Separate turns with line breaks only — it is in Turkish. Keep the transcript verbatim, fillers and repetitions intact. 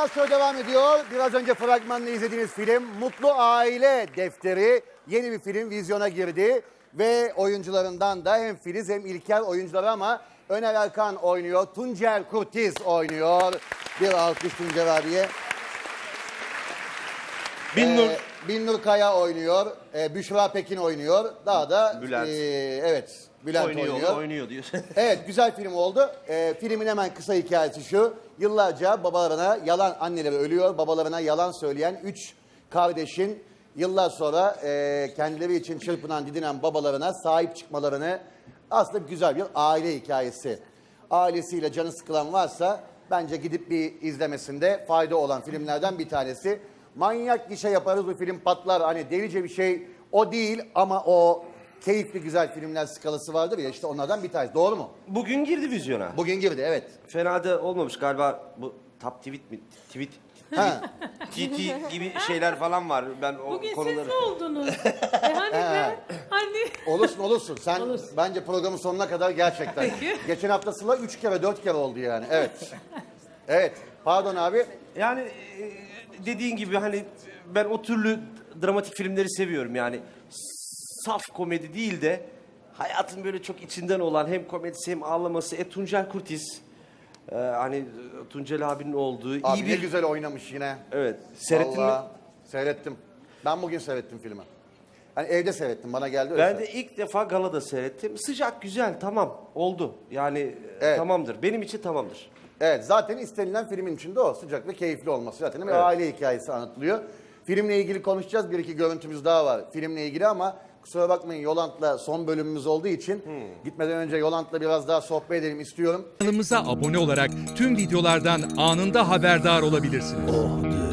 Beyaz Show devam ediyor. Biraz önce fragmanını izlediğiniz film Mutlu Aile Defteri. Yeni bir film vizyona girdi. Ve oyuncularından da hem Filiz hem İlker oyuncuları ama Öner Erkan oynuyor. Tuncer Kurtiz oynuyor. Bir alkış Tuncer abiye.
Binnur.
Ee, Binnur Kaya oynuyor. Ee, Büşra Pekin oynuyor. Daha da
Bülent.
e, evet Bülent oynuyor.
oynuyor, oynuyor diyor.
Evet, güzel film oldu. Ee, filmin hemen kısa hikayesi şu. Yıllarca babalarına yalan, anneleri ölüyor, babalarına yalan söyleyen üç kardeşin yıllar sonra e, kendileri için çırpınan, didinen babalarına sahip çıkmalarını, aslında güzel bir aile hikayesi. Ailesiyle canı sıkılan varsa bence gidip bir izlemesinde fayda olan filmlerden bir tanesi. Manyak gişe yaparız, bu film patlar, hani delice bir şey o değil ama o keyifli güzel filmler skalası vardır ya, işte onlardan bir tanesi. Doğru mu?
Bugün girdi vizyona.
Bugün girdi, evet.
Fena da olmamış galiba, bu top tweet mi? Tweet,
Ha.
T T gibi şeyler falan var. Ben o
Bugün
konuları...
siz ne oldunuz? e hani ben, hani...
Olursun olursun. Sen
Olursun.
bence programın sonuna kadar gerçekten.
Peki.
Geçen hafta Sıla üç kere dört kere oldu yani. Evet. Evet. Pardon abi.
Yani e, dediğin gibi hani ben o türlü dramatik filmleri seviyorum yani. Saf komedi değil de hayatın böyle çok içinden olan hem komedisi hem ağlaması. E Tuncel Kurtiz. e, hani Tuncel abinin olduğu
Abi
iyi
ne
bir...
güzel oynamış yine.
Evet. Seyrettin
Vallahi
mi?
Seyrettim. Ben bugün seyrettim filmi. Hani evde seyrettim. Bana geldi öyle.
Ben de ilk defa galada seyrettim. Sıcak, güzel, tamam. Oldu. Yani e,
Evet.
tamamdır. Benim için tamamdır.
Evet, zaten istenilen filmin içinde o. Sıcak ve keyifli olması. Zaten bir
Evet.
aile hikayesi anlatılıyor. Filmle ilgili konuşacağız. Bir iki görüntümüz daha var filmle ilgili ama kusura bakmayın, Yolant'la son bölümümüz olduğu için gitmeden önce Yolant'la biraz daha sohbet edelim istiyorum.
Kanalımıza abone olarak tüm videolardan anında haberdar olabilirsiniz.